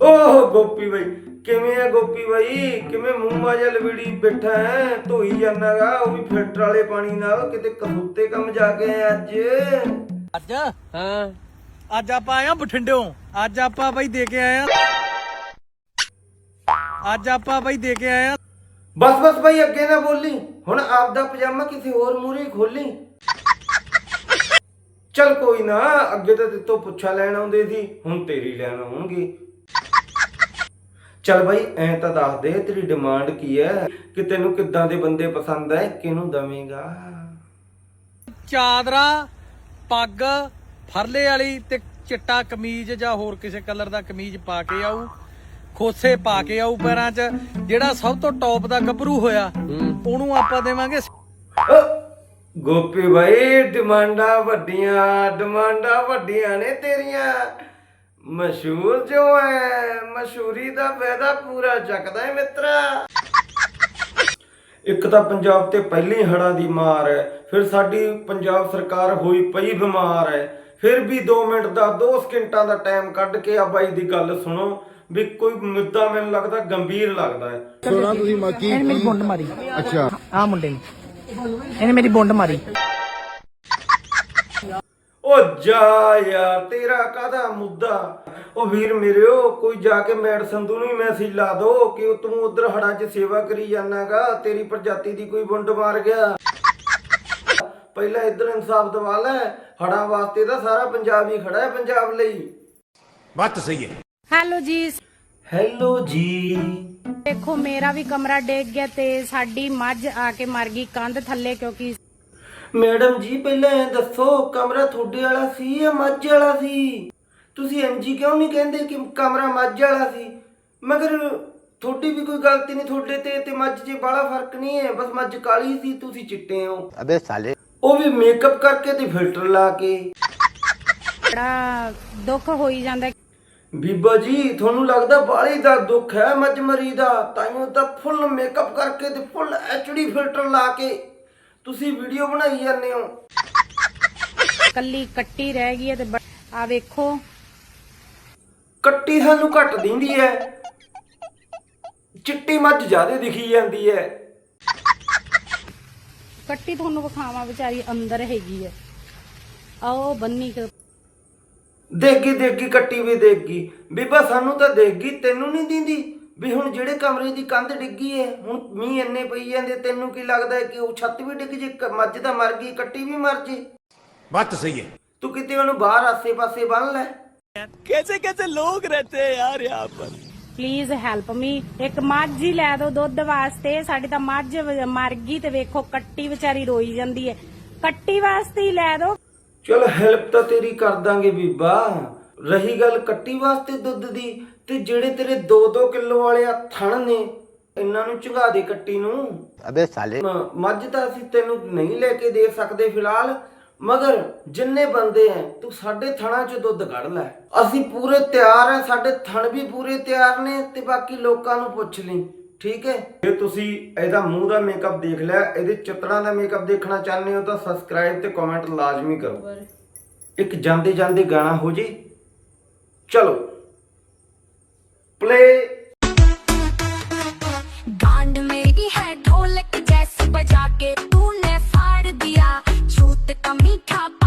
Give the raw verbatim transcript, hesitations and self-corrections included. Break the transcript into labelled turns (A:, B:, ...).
A: ओह गोपी भाई किवें है गोपी भाई किवें मूंह माजा लवीड़ी बैठा है धोई जाना गा वो भी फिल्टर वाले पानी नाल किते कसूते कम जाके आए अज
B: ਅੱਜ ਹਾਂ ਅੱਜ ਆਪਾਂ ਆਏ ਆ ਬਠਿੰਡਿਓਂ ਅੱਜ ਆਪਾਂ ਬਾਈ ਦੇ ਕੇ ਆਏ ਆ ਅੱਜ ਆਪਾਂ ਬਾਈ ਦੇ ਕੇ ਆਏ ਆ
A: बस बस भाई अगे ना बोली हुण आपदा पजामा किसी होर मूहरे खोली चल कोई ना अगे तो तेतों पुछा लैन आउंदे सी हुण तेरी लैन आउणगे चल भाई ऐ तां दस दे तेरी डिमांड की है कि तैनूं किद्दां दे बंदे पसंद है किहनूं दवेंगा
B: ਚਾਦਰਾ ਪੱਗ ਫਰਲੇ ਵਾਲੀ ਤੇ ਚਿੱਟਾ ਕਮੀਜ਼ ਜਾਂ ਹੋਰ ਕਿਸੇ ਕਲਰ ਦਾ ਕਮੀਜ਼ ਪਾ ਕੇ ਆਊ ਖੋਸੇ ਪਾ ਕੇ ਆਊ ਪੈਰਾਂ 'ਚ ਜਿਹੜਾ ਸਭ ਤੋਂ ਟੌਪ ਦਾ ਗੱਭਰੂ ਹੋਇਆ ਉਹਨੂੰ ਆਪਾਂ ਦੇਵਾਂਗੇ
A: ਗੋਪੀ ਭਾਈ ਡਿਮਾਂਡਾਂ ਵੱਡੀਆਂ ਡਿਮਾਂਡਾਂ ਵੱਡੀਆਂ ਨੇ ਤੇਰੀਆਂ ਮਸ਼ਹੂਰ ਜੋ ਹੈ ਮਸ਼ਹੂਰੀ ਦਾ ਫਾਇਦਾ ਪੂਰਾ ਚੱਕਦਾ ਹੈ ਮਿੱਤਰਾ ਇੱਕ ਤਾਂ ਪੰਜਾਬ ਤੇ ਪਹਿਲੀ ਹੜ੍ਹਾਂ ਦੀ ਮਾਰ ਹੈ ਫਿਰ ਸਾਡੀ ਪੰਜਾਬ ਸਰਕਾਰ ਹੋਈ ਪਈ ਬਿਮਾਰ ਹੈ ਫਿਰ ਵੀ ਦੋ ਮਿੰਟ ਦਾ ਦੋ ਸਕਿੰਟਾਂ ਦਾ ਟਾਈਮ ਕੱਢ ਕੇ ਆ ਬਾਈ ਦੀ ਗੱਲ ਸੁਣੋ ਵੀ ਕੋਈ ਮੁੱਦਾ ਮੈਨੂੰ ਲੱਗਦਾ ਗੰਭੀਰ ਲੱਗਦਾ ਹੈ
C: ਸੋਨਾ ਤੁਸੀਂ ਮਾਕੀ
D: ਇਹਨੇ ਮੇਰੀ ਬੁੰਡ ਮਾਰੀ
C: ਅੱਛਾ
D: ਆ ਮੁੰਡੇ ਨੇ ਇਹਨੇ ਮੇਰੀ ਬੁੰਡ ਮਾਰੀ
A: ਓ ਜਾ ਯਾਰ ਤੇਰਾ ਕਾਹਦਾ ਮੁੱਦਾ ਓ ਵੀਰ ਮੇਰਿਓ ਕੋਈ ਜਾ ਕੇ ਮੈਡ ਸੰਧੂ ਨੂੰ ਮੈਸੇਜ ਲਾ ਦੋ ਕਿ ਤੂੰ ਉਧਰ ਹੜਾਂ 'ਚ ਸੇਵਾ ਕਰੀ ਜਾਣਾਗਾ ਤੇਰੀ ਪ੍ਰਜਾਤੀ ਦੀ ਕੋਈ ਬੁੰਡ ਮਾਰ ਗਿਆ ਪਹਿਲਾਂ ਇੱਧਰ ਇਨਸਾਫ ਦਵਾ ਲੈ ਹੜਾਂ ਵਾਸਤੇ ਤਾਂ ਸਾਰਾ ਪੰਜਾਬ ਹੀ ਖੜਾ ਹੈ ਪੰਜਾਬ ਲਈ
C: ਬਾਤ ਸਹੀ ਹੈ
E: ਹੈਲੋ ਜੀ
A: ਹੈਲੋ ਜੀ
E: ਦੇਖੋ ਮੇਰਾ ਵੀ ਕਮਰਾ ਡਿੱਗ ਗਿਆ ਤੇ ਸਾਡੀ ਮੱਝ ਆ ਕੇ ਮਰ ਗਈ ਕੰਧ ਥੱਲੇ ਕਿਉਂਕਿ
A: ਮੈਡਮ ਜੀ ਪਹਿਲਾਂ ਇਹ ਦੱਸੋ ਕਮਰਾ ਤੁਹਾਡੇ ਵਾਲਾ ਸੀ ਜਾਂ ਮੱਝ ਵਾਲਾ ਸੀ ਤੁਸੀਂ ਐਮਜੀ ਕਿਉਂ ਨਹੀਂ ਕਹਿੰਦੇ ਕਿ ਕਮਰਾ ਮੱਝ ਵਾਲਾ ਸੀ ਮਗਰ ਤੁਹਾਡੀ ਵੀ ਕੋਈ ਗਲਤੀ ਨਹੀਂ ਤੁਹਾਡੇ ਤੇ ਤੇ ਮੱਝ 'ਚ ਬੜਾ ਫਰਕ ਨਹੀਂ ਹੈ ਬਸ ਮੱਝ ਕਾਲੀ ਸੀ ਤੁਸੀਂ ਚਿੱਟੇ ਹੋ
C: ਅਬੇ ਸਾਲੇ
A: ਉਹ ਵੀ ਮੇਕਅਪ ਕਰਕੇ ਤੇ ਫਿਲਟਰ ਲਾ ਕੇ
E: ਬੜਾ ਦੁੱਖ ਹੋਈ ਜਾਂਦਾ
A: ਬੀਬਾ ਜੀ ਤੁਹਾਨੂੰ ਲੱਗਦਾ ਬਾਲੀ ਦਾ ਦੁੱਖ ਹੈ ਮੱਝ ਮਰੀ ਦਾ ਤਾਈਓ ਤਾਂ ਫੁੱਲ ਮੇਕਅਪ ਕਰਕੇ ਤੇ ਫੁੱਲ ਐਚਡੀ ਫਿਲਟਰ ਲਾ ਕੇ ਤੁਸੀਂ ਵੀਡੀਓ ਬਣਾਈ ਜਾਂਦੇ ਹੋ
E: ਕੱਲੀ ਕੱਟੀ ਰਹਿ ਗਈ ਹੈ ਤੇ ਆ ਵੇਖੋ
A: ਕੱਟੀ ਸਾਨੂੰ ਘੱਟ ਦਿੰਦੀ ਹੈ ਚਿੱਟੀ ਮੱਝ ਜ਼ਿਆਦਾ ਦਿਖੀ ਜਾਂਦੀ ਹੈ
E: ਕੱਟੀ ਤੁਹਾਨੂੰ ਵਿਖਾਵਾਂ ਵਿਚਾਰੀ ਅੰਦਰ ਹੈਗੀ ਹੈ ਆਓ ਬੰਨੀ
A: ਦੇਖਗੀ ਦੇਖਗੀ ਕੱਟੀ ਵੀ ਦੇਖਗੀ ਬੀਬਾ ਸਾਨੂੰ ਤਾਂ ਦੇਖਗੀ ਤੈਨੂੰ ਨਹੀਂ ਦਿੰਦੀ ਵੀ ਹੁਣ ਜਿਹੜੇ ਕਮਰੇ ਦੀ ਕੰਧ ਡਿੱਗੀ ਹੈ ਹੁਣ ਮੀਂਹ ਇੰਨੇ ਪਈ ਜਾਂਦੇ ਤੈਨੂੰ ਕੀ ਲੱਗਦਾ ਹੈ ਕਿ ਉਹ ਛੱਤ ਵੀ ਡਿੱਗ ਜੇ ਮੱਝ ਤਾਂ ਮਰ ਗਈ ਕੱਟੀ ਵੀ ਮਰ ਜੇ
C: ਬਾਤ ਸਹੀ ਹੈ
A: ਤੂੰ ਕਿਤੇ ਉਹਨੂੰ ਬਾਹਰ ਆਸੇ ਪਾਸੇ ਬੰਨ ਲੈ
B: कैसे कैसे लोग रहते हैं यार यहाँ पर
E: ਪਲੀਜ਼ ਹੈਲਪ ਮੀ ਇੱਕ ਮੱਝ ਹੀ ਲੈ ਦਿਓ ਦੁੱਧ ਵਾਸਤੇ ਸਾਡੀ ਤਾਂ ਮੱਝ ਮਰ ਗਈ ਤੇ ਵੇਖੋ ਕੱਟੀ ਵਿਚਾਰੀ ਰੋਈ ਜਾਂਦੀ ਹੈ ਕੱਟੀ ਵਾਸਤੇ ਹੀ ਲੈ ਦਿਓ
A: ਚਲ ਹੈਲਪ ਤਾਂ ਤੇਰੀ ਕਰ ਦਾਂਗੇ ਬੀਬਾ ਰਹੀ ਗੱਲ ਕੱਟੀ ਵਾਸਤੇ ਦੁੱਧ ਦੀ ਤੇ ਜਿਹੜੇ ਤੇਰੇ ਦੋ ਦੋ ਕਿਲੋ ਵਾਲੇ ਆ ਥਣ ਨੇ ਇਹਨਾਂ ਨੂੰ ਝੁਗਾ ਦੇ ਕੱਟੀ ਨੂੰ
C: ਅਬੇ ਸਾਲੇ
A: ਮੱਝ ਤਾਂ ਅਸੀਂ ਤੈਨੂੰ ਨਹੀਂ ਲੈ ਕੇ ਦੇ ਸਕਦੇ ਫਿਲਹਾਲ ਮਗਰ ਜਿੰਨੇ ਬੰਦੇ ਐ ਤੂੰ ਸਾਡੇ ਥਣਾਂ 'ਚ ਦੁੱਧ ਕੱਢ ਲੈ ਅਸੀਂ ਪੂਰੇ ਤਿਆਰ ਐ ਸਾਡੇ ਥਣ ਵੀ ਪੂਰੇ ਤਿਆਰ ਨੇ ਤੇ ਬਾਕੀ ਲੋਕਾਂ ਨੂੰ ਪੁੱਛ ਲਈ ਠੀਕ ਹੈ ਜੇ ਤੁਸੀਂ ਇਹਦਾ ਮੂੰਹ ਦਾ ਮੇਕਅਪ ਦੇਖ ਲਿਆ ਇਹਦੇ ਚਿੱਤਰਾਂ ਦਾ ਮੇਕਅਪ ਦੇਖਣਾ ਚਾਹੁੰਦੇ ਹੋ ਤਾਂ ਸਬਸਕ੍ਰਾਈਬ ਤੇ ਕਮੈਂਟ ਲਾਜ਼ਮੀ ਕਰੋ ਇੱਕ ਜਾਂਦੇ ਜਾਂਦੇ ਗਾਣਾ ਹੋ ਜੇ ਚਲੋ प्ले
F: गांड मेरी है ढोलक जैसे बजा के तूने फाड़ दिया छूत का मीठा